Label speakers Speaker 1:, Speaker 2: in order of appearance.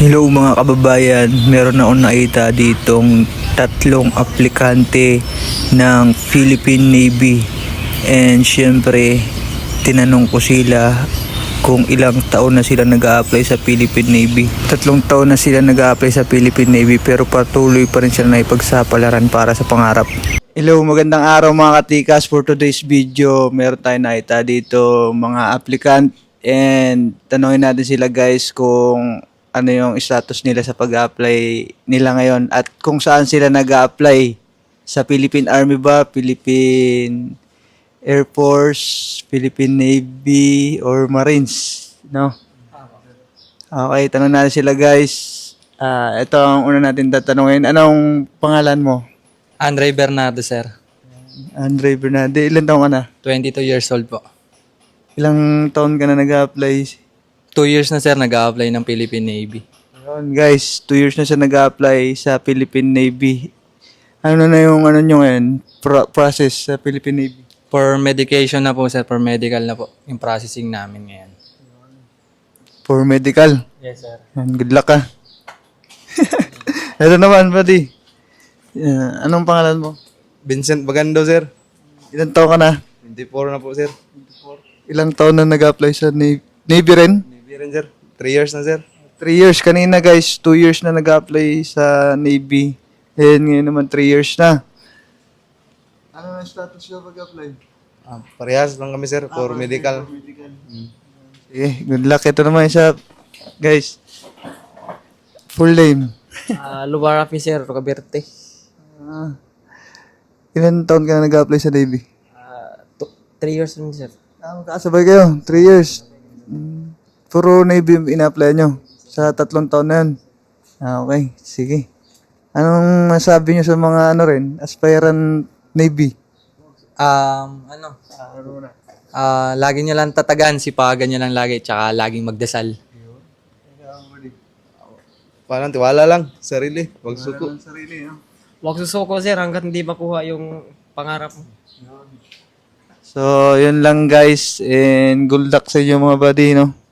Speaker 1: Hello mga kababayan, meron akong nakita ditong tatlong aplikante ng Philippine Navy. And syempre, tinanong ko sila kung ilang taon na sila nag-a-apply sa Philippine Navy. 3 taon na sila nag-a-apply sa Philippine Navy pero patuloy pa rin sila na ipagsapalaran para sa pangarap. Hello, magandang araw mga katikas. For today's video, meron tayong nakita dito mga applicant and tanongin natin sila guys kung ano yung status nila sa pag-apply nila ngayon at kung saan sila nag-apply, sa Philippine Army ba, Philippine Air Force, Philippine Navy, or Marines, no? Okay, tanong natin sila guys. Ito ang una natin tatanungin. Anong pangalan mo?
Speaker 2: Andre Bernardo, sir.
Speaker 1: Andre Bernade. Ilan taon ka na?
Speaker 2: 22 years old po.
Speaker 1: Ilang taon ka na nag-apply?
Speaker 2: 2 years na, sir, nag-a-apply ng Philippine Navy.
Speaker 1: Ayun, guys, 2 years na siya nag-apply sa Philippine Navy. Ano na yung ano nyo ngayon? Process sa Philippine Navy?
Speaker 2: For medication na po, sir. For medical na po. Yung processing namin ngayon.
Speaker 1: For medical?
Speaker 2: Yes, sir.
Speaker 1: Good luck ka. Ito naman, buddy. Anong pangalan mo?
Speaker 3: Vincent Bagando, sir.
Speaker 1: Ilang taon ka na?
Speaker 3: 24 na po, sir.
Speaker 1: Ilang taon na nag-apply sa Navy rin?
Speaker 3: Navy rin, sir. 3 years na, sir.
Speaker 1: 3 years. Kanina guys, 2 years na nag-apply sa Navy. And ngayon naman 3 years na. Ano na status na pag-apply?
Speaker 3: Parehas lang kami, sir, for medical.
Speaker 1: Sige, good luck. Ito naman isa. Guys, full name.
Speaker 4: Lubar Officer Roberto.
Speaker 1: Ilan taon ka na nag-apply sa Navy?
Speaker 4: 3 years rin, sir.
Speaker 1: Magkakasabay kayo, 3 years. Puro Navy ina-apply nyo sa 3 taon na yun. Okay, sige. Anong masabi nyo sa mga ano rin, aspirant Navy?
Speaker 2: Lagi niya lang tatagan, sipagan niya lang lagi, tsaka laging magdasal.
Speaker 3: Parang tiwala lang, sarili. Huwag suko.
Speaker 4: Huwag susuko, sir, hanggat hindi makuha yung pangarap mo.
Speaker 1: So, yun lang guys. And good luck sa inyo mga buddy, no?